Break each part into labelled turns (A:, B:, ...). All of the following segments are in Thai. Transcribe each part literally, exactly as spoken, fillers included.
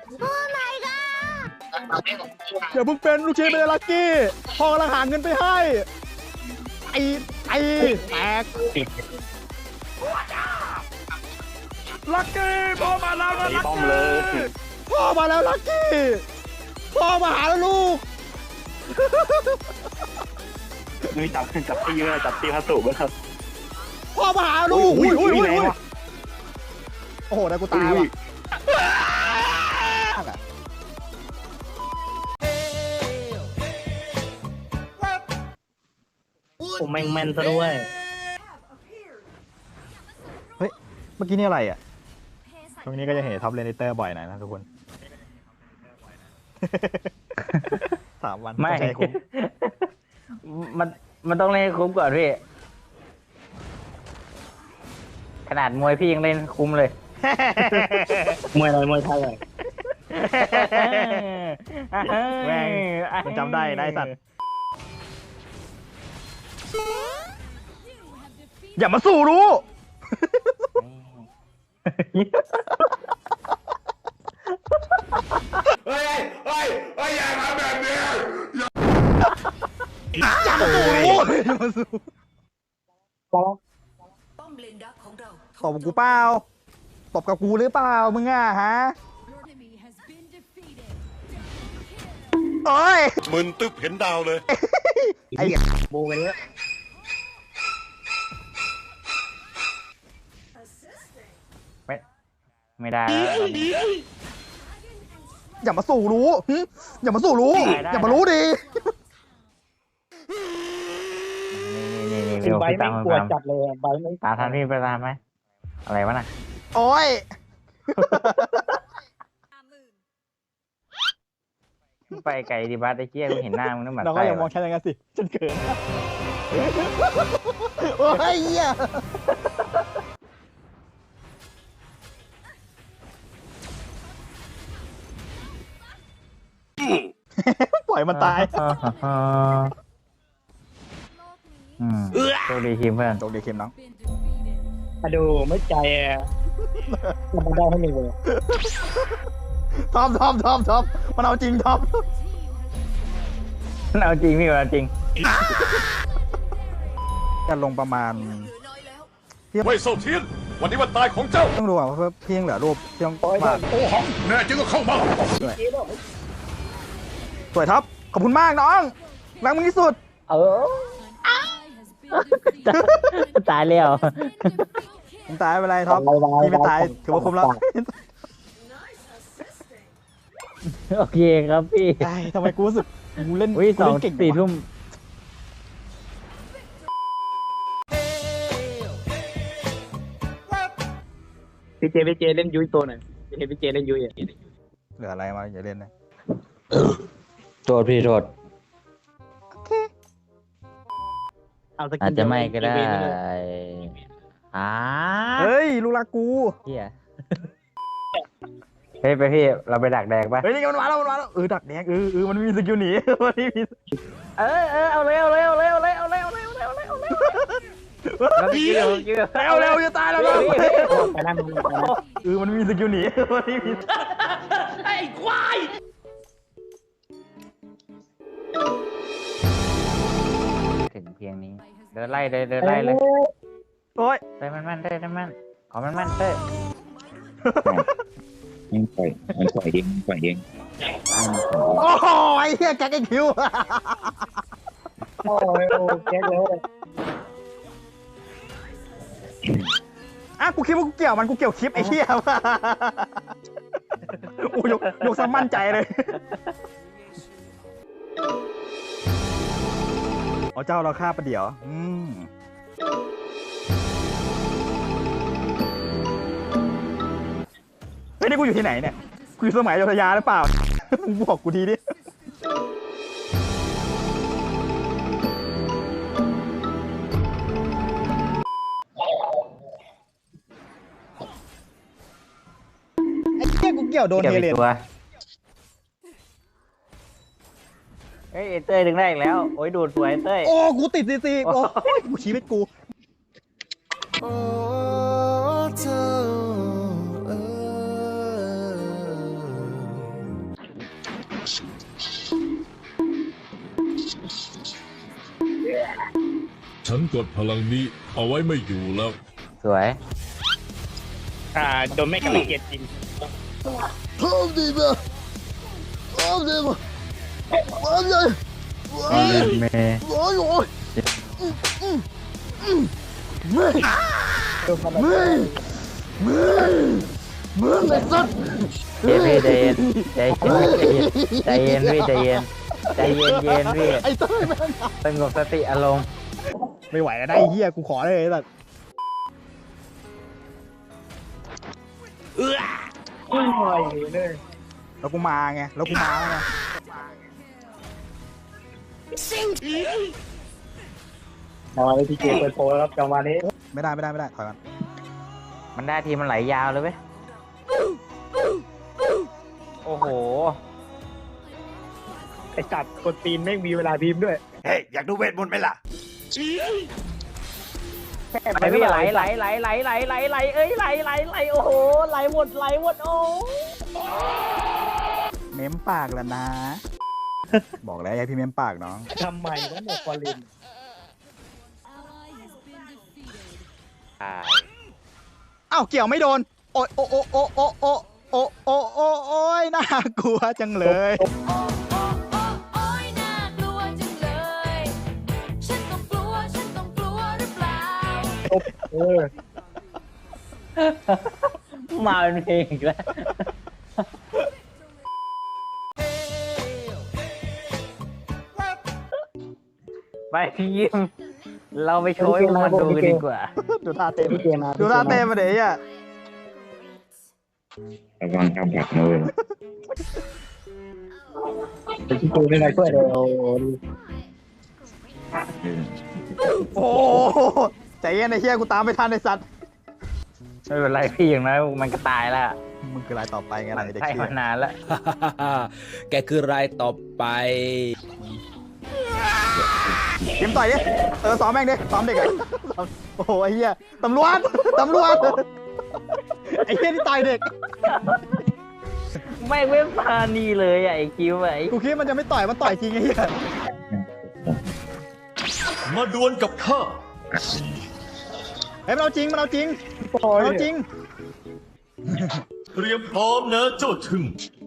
A: อย่าเพิ่งเป็นลูกชิ้นเป็นลักกี้พ่อกำลังหาเงินไปให้ไอ้ไอ้แตกลักกี้พ่อมาแล้วนะลักกี้พ่อมาแล้วลักกี้พ่อมาหาแล้วลูก
B: นี่จับจับตีเลยจับตีพระสุไหมครับ
A: พ่อมาหาลูกอุ้ยอุ้ยอุ้ยโอ้โหได้กูตายว่ะ
B: ผมแม่งแม่นซะด้วย
A: เฮ้ยเมื่อกี้นี่อะไรอ่ะตรงนี้ก็จะเห็นท็อปเลนเตอร์บ่อยหน่อยนะทุกคนสามวัน
C: ไม่
A: ใช่คุ้ม
C: มันมันต้องเล่นคุ้มก่อนพี่ขนาดมวยพี่ยังเล่นคุ้มเลย
B: มวยอะไรมวยไทยเลย
A: แม่งมันจำได้นายสัตว์อย่ามาสู่รู้
D: เฮ้ยเฮ้ยเฮ้ยอย่าทำแบบนี้
A: อย่ามาสู่รู้อย่ามาสู่ตบกูเปล่าตบกับกูหรือเปล่ามึงอ่ะฮะโอ้ย
D: มึนตึ๊บเห็นดาวเลย
A: ไอ้
B: โบไปเลย
C: ไม่ไม่ได้
A: อย่ามาสู่รู้อย่ามาสู่รู้อย่ามารู้ดี
C: นี่นี่
B: นี่ใบไม่กลัวจัดเลยใบไม่
C: ตาทันพี่ไปตามไหมอะไรวะน่ะ
A: โอ้ย
C: ไปไกลดีบัสไอ้เจี๊ยกูเห็นหน้ามึงนึกเหมือน
A: เราก็อย่ามองฉันอย่างนั้นสิฉันเกินโอ้ยเหี้ยปล่อยมันตาย
C: อืมโชคดีทีมเพื่อน
A: โชคดีทีมน้อง
B: มาดูไม่ใจอ่ะมันได้ให้หนึ่งเลย
A: ทอมทอมทอมทอมมันเอาจริงทอม
C: มันเอาจริงพี่มันเอาจริง
A: กันลงประมาณ
D: เว่ยเซาเทียนวันนี้วันตายของเจ้า
A: ต้องดูอ่ะเพราะเพียงเหลือรูปเพียงมา
D: โอ้หังแน่จริงก็เข้ามา
A: สวยท็อปขอบคุณมากน้องรักมึงที่สุด
C: เออตายแล้ว
A: มึงตายไปเลยท็อปพี่ไม่ตายถือว่าคุ้มแล้ว
C: โอเคครับพี่
A: ทำไมกูรู้สึกกูเล่น
C: วิ่งสองสี่ทุ่ม
B: พี่เจพี่เจเล่นยุ้ยตัวหน่อยพี่เจพี่เจเล่นยุ้ยอ่ะ
A: เหลืออะไรมาอย่าเล่นนะ
C: โทษพี่โทษอาจจะไม่ก็ได้อ่า
A: เฮ้ยลูกรักกู
C: เฮียเฮ้ยไปพี่เราไปดักแดกป่ะ
A: เฮ้ยนี่มันมาแล้วมันมาแล้วเออดักแดกเออเออมันมีสกิลหนีมันมี
C: เออเออเอาเร็วเร็วเร็วเร็วเร็วเร็วเร็วเร็วเร็ว
A: เร็วเร็วจะตายแล้ว
B: ไปนั่ง
A: เออมันมีสกิลหนีมันมี
C: ไอ้ควายถึงเพียงนี้เดินไล่เลยเดินไล่เลย
A: โอ้ย
C: เต้มันมันเต้มันมันขอมันมันเต้
B: มันปล่อยมันปล่อยเองปล่อยเอง
A: โอ้ยเฮียแกกินคิว
B: โอ้ยโอ้แกเลย
A: อ่ะกูคิดว่ากูเกี่ยวมันกูเกี่ยวคลิปไอ้เหี้ยว่ะกูยกยกซะมั่นใจเลยอ๋อเจ้าเราฆ่าประเดี๋ยวอืมเฮ้ยนี่กูอยู่ที่ไหนเนี่ยกูอยู่สมัยอยุธยาหรือเปล่ามึงบอกกูทีดิไอ้เหี้ยกูเกี่ยวโดนเฮเลน
C: เฮ้ยเต้ยดึงได้อีกแล้วโอ้ยดูดสวยเต้ย
A: โอ้กูติดซีซีโอ้ยกูชีวิตกู
E: ฉันกดพลังนี้เอาไว้ไม่อยู่แล้ว
C: สวย
B: อ่าโดนไม่กระเกียดจริง
C: เมย์
B: โดนมัน
C: เย็นพี่ใจเย็นใจเย็นใจเย็นพี่ใจเย็นใจเย็นเย็นพี่
A: ไอ้เต้ยแม่ง
C: สงบสติอารมณ์
A: ไม่ไหวแล้วนะไอ้เหี้ยกูขอเลยไอ้สัตว์
B: อุ้ยเลย
A: แล้วกูมาไงแล้วกูมาไง
B: มาเลยพี่เจเปิดโพลครับจังหวะนี้
A: ไม่ได้ไม่ได้ไม่ได้ถอยก่อน
C: มันได้ทีมันไหลยาวเลยเว้ยโอ้โห
B: ไอ้จัดกดตีนไม่มีเวลาพิมพ์ด้วย
D: เฮ้ย อยากดูเวทมนต์ไหมล่ะ
C: ไหลพี่ไหลไหลไหลไหลไหลไหลไหลเอ้ยไหลไหลไหลโอ้โหไหลหมดไหลหมดโอ้
A: เม้มปากแล้วนะ บอกแล้วอย่าพี่เม้มปากน้อง
B: ทำไมวะเนี่ยฟอลิน
A: อ้าวเกี่ยวไม่โดนโอ้โอ้โอ้โอ้โอ้โอ้โอ้โอ้โอ้โอ้ยน่ากลัวจังเลย
F: โอ๊ยน่ากลัวจังเลย ฉันต้องกลัว ฉันต้องกลัวหรือเปล่า
B: เออ
C: มาเป็นเพลงอีกแล้วไปพี่ยิ้มเราไปโชว์ให้มันดูกันดีกว่า
A: ดูท่าเต้น
B: พี่เจมา
A: ดูท่าเต้นมาเดี๋ยวไอ่ะ
C: ระวังกำผักมือ
B: พี่เจไม่ได้ช่วยเลยโอ้
A: โอ้โหใจเย็นไอ้เหี้ยกูตามไม่ทันไอ้สัตว์
C: ไม่เป็นไรพี่อย่างน้อยมันก็ตายแล้ว
A: มึงคือรายต่อไปไงล่ะไอ้เด็ก
C: ใช่
A: เชี่
C: มาย นานแล้ว
G: แกคือรายต่อไป
A: เกมต่อยดิเออซ้อมแม่งดิซ้อมเด็กอะซ้อมโอ้โหไอ้เหี้ยตำรวจตำรวจไอ้เหี้ยที่ต่อยเด็ก
C: ไม่เว้นพานีเลยอ่ะไอ้คิวอะไอ้
A: กูคิดมันจะไม่ต่อยมันต่อยจริงไอ้เหี้ย
D: มาดวลกับข้า
A: เฮ้ยมันเอาจริงมันเอาจริง
B: โห
A: มันเอาจริง
D: เตรียมพร้อมนะเจ้าถึง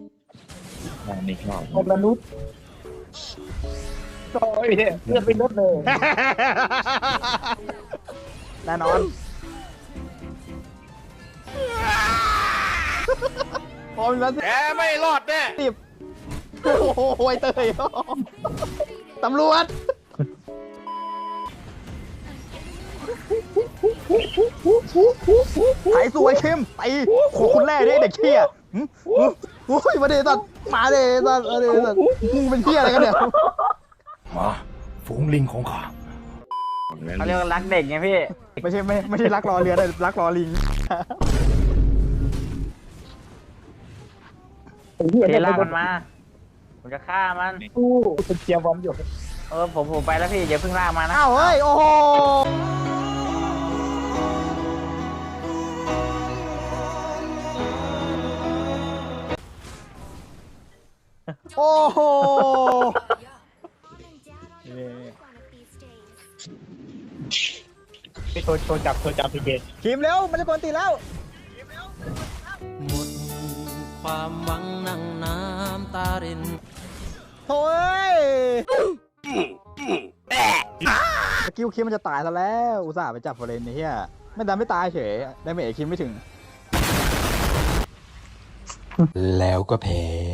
B: คนมนุษย์โอ้ยเนี่ยเลือดไปลดเลย
A: แน่นอนพอมีแล้ว
D: แกไม่รอดแน่
A: สิบโอ้โหไอ้เตยตำรวจไถสวยเข้มไปโขคุณแร่ดิเด็กเชี่ยหึหึโอ้ยมาเดตัดมาเดตัดมาเดตัดมึงเป็นเชี่ยอะไรกันเนี่ย
D: มาฝูงลิงของข้า
C: เขาเรียกว่ารักเด็กไงพี่
A: ไม่ใช่ไม่ไม่ใช่รักรอเรือแต่รักรอลิง
C: เทล่ามันมาผมจะฆ่ามัน
B: ตู้เป็นเชียร์บอมอยู่
C: เออผมผมไปแล้วพี่อย่าเพิ่งลากมานะ
A: อ้าวเฮ้ยโอ้โหโอ้โห
B: ไปโทรโทรจับโทรจับพี่เจ
A: ทีมเร็วมันจะกวนตีแล้ว
G: หมดความหวังนั่งน้ำตาริน
A: โถ่เอ้ยสกิลคิมมันจะตายซะแล้ว อุตส่าห์ไปจับฟอเรนไอ้เหี้ยไม่ดันไม่ตายเฉยได้เมจคิมไม่ถึง
G: แล้วก็แพ้